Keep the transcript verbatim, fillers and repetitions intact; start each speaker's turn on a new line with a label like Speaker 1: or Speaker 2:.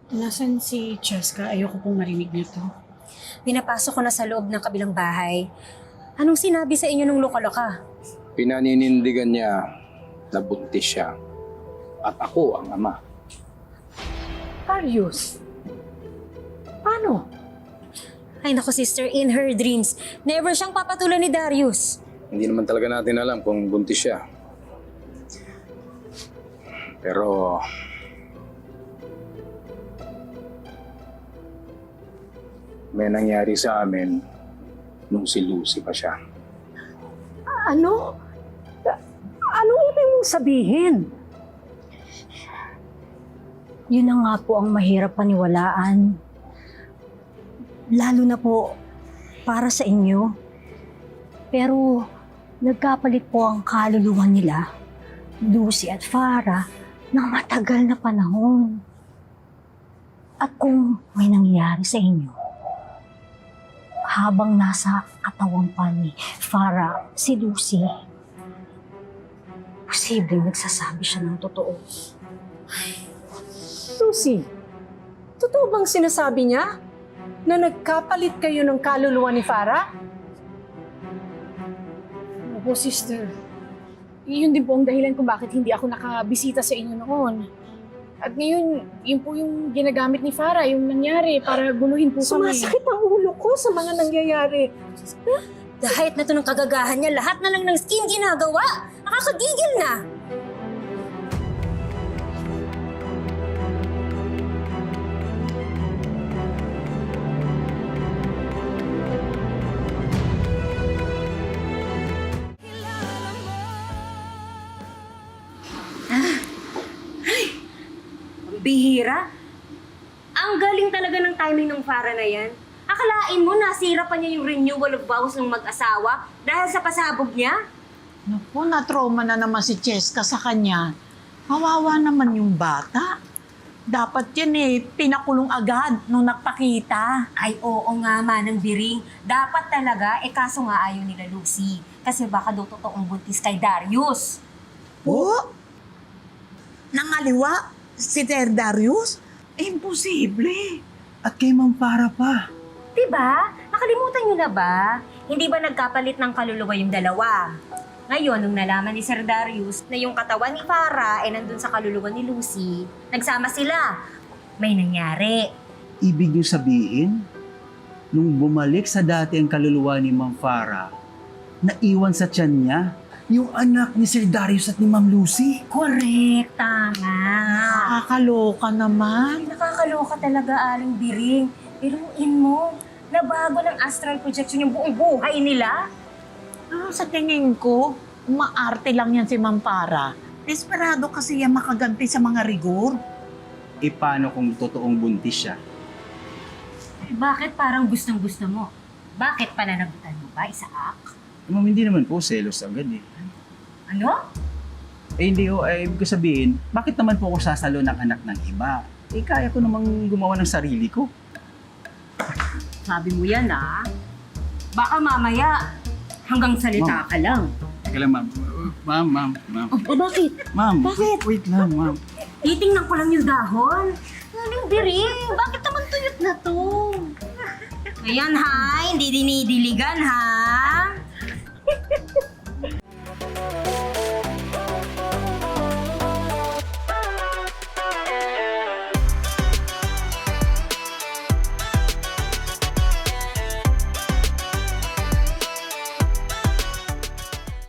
Speaker 1: Nasaan si Cheska? Ayoko pong marinig nito.
Speaker 2: Pinapasok ko na sa loob ng kabilang bahay. Anong sinabi sa inyo nung loka-loka?
Speaker 3: Pinaninindigan niya na buntis siya. At ako ang ama.
Speaker 1: Darius? Paano?
Speaker 2: Ay naku sister, in her dreams, never siyang papatulan ni Darius.
Speaker 3: Hindi naman talaga natin alam kung buntis siya. Pero... may nangyari sa amin nung si Lucy pa siya.
Speaker 1: Ano? Anong ibig mong sabihin?
Speaker 4: Yun na nga po ang mahirap paniwalaan. Lalo na po para sa inyo. Pero nagkapalit po ang kaluluwa nila, Lucy at Farah, ng matagal na panahon. At kung may nangyari sa inyo, habang nasa katawan pa ni Farah si Lucy, posibleng nagsasabi siya ng totoo.
Speaker 1: Susie, totoo bang sinasabi niya na nagkapalit kayo ng kaluluwa ni Farah?
Speaker 5: Opo, sister. Yun din po ang dahilan kung bakit hindi ako nakabisita sa inyo noon. At ngayon, yun po yung ginagamit ni Farah, yung nangyari para guluhin po kami.
Speaker 1: Sumasakit ang ulo ko sa mga nangyayari.
Speaker 2: Dahil na to ng kagagahan niya, lahat na lang ng skin ginagawa. Nakakagigil na. Bihira. Ang galing talaga ng timing ng Farah na yan. Akalain mo, nasira pa niya yung renewal of vows ng mag-asawa dahil sa pasabog niya?
Speaker 6: Naku, na-trauma na naman si Cheska sa kanya. Kawawa naman yung bata. Dapat yan eh, pinakulong agad nung nagpakita.
Speaker 2: Ay, oo nga, Manang Biring. Dapat talaga, eh kaso nga ayaw nila Lucy. Kasi baka daw totoong buntis kay Darius.
Speaker 6: Oh? Nangaliwa? Si Sir Darius? Imposible.
Speaker 7: At kay Ma'am Farah pa.
Speaker 2: Diba? Nakalimutan niyo na ba? Hindi ba nagkapalit ng kaluluwa yung dalawa? Ngayon, nung nalaman ni Sir Darius na yung katawan ni Farah ay nandun sa kaluluwa ni Lucy, nagsama sila. May nangyari.
Speaker 7: Ibig niyo sabihin, nung bumalik sa dati ang kaluluwa ni Ma'am Farah, naiwan sa tiyan niya yung anak ni Sir Darius at ni Ma'am Lucy.
Speaker 2: Correct, tama.
Speaker 6: Nakakaloka naman.
Speaker 2: Ay, nakakaloka talaga, Aling Biring. Biruin mo, nabago ng astral projection yung buong buhay nila.
Speaker 6: Ah, sa tingin ko, umaarte lang yan si Ma'am Farah. Desperado kasi yan makaganti sa mga rigor.
Speaker 7: E paano kung totoong buntis siya?
Speaker 2: Bakit parang gustong-gusto mo? Bakit pananagutan mo ba, Isaac?
Speaker 7: Ma'am, hindi naman po selos agad eh.
Speaker 2: Ano?
Speaker 7: Eh hindi ho, eh, ibig ko sabihin, bakit naman po ako sasalo ng anak ng iba? Eh kaya ko namang gumawa ng sarili ko.
Speaker 2: Sabi mo yan, ah. Baka mamaya, hanggang salita
Speaker 7: Ma'am.
Speaker 2: ka lang.
Speaker 7: Teka lang, ma'am. Ma'am, ma'am, ma'am.
Speaker 2: Oh, bakit?
Speaker 7: Ma'am,
Speaker 2: Bakit?
Speaker 7: wait lang, ma'am.
Speaker 2: Titingnan ko lang yung dahon. Aling Biring, bakit naman tuyot na to? Ayan ha, hindi dinidiligan ha.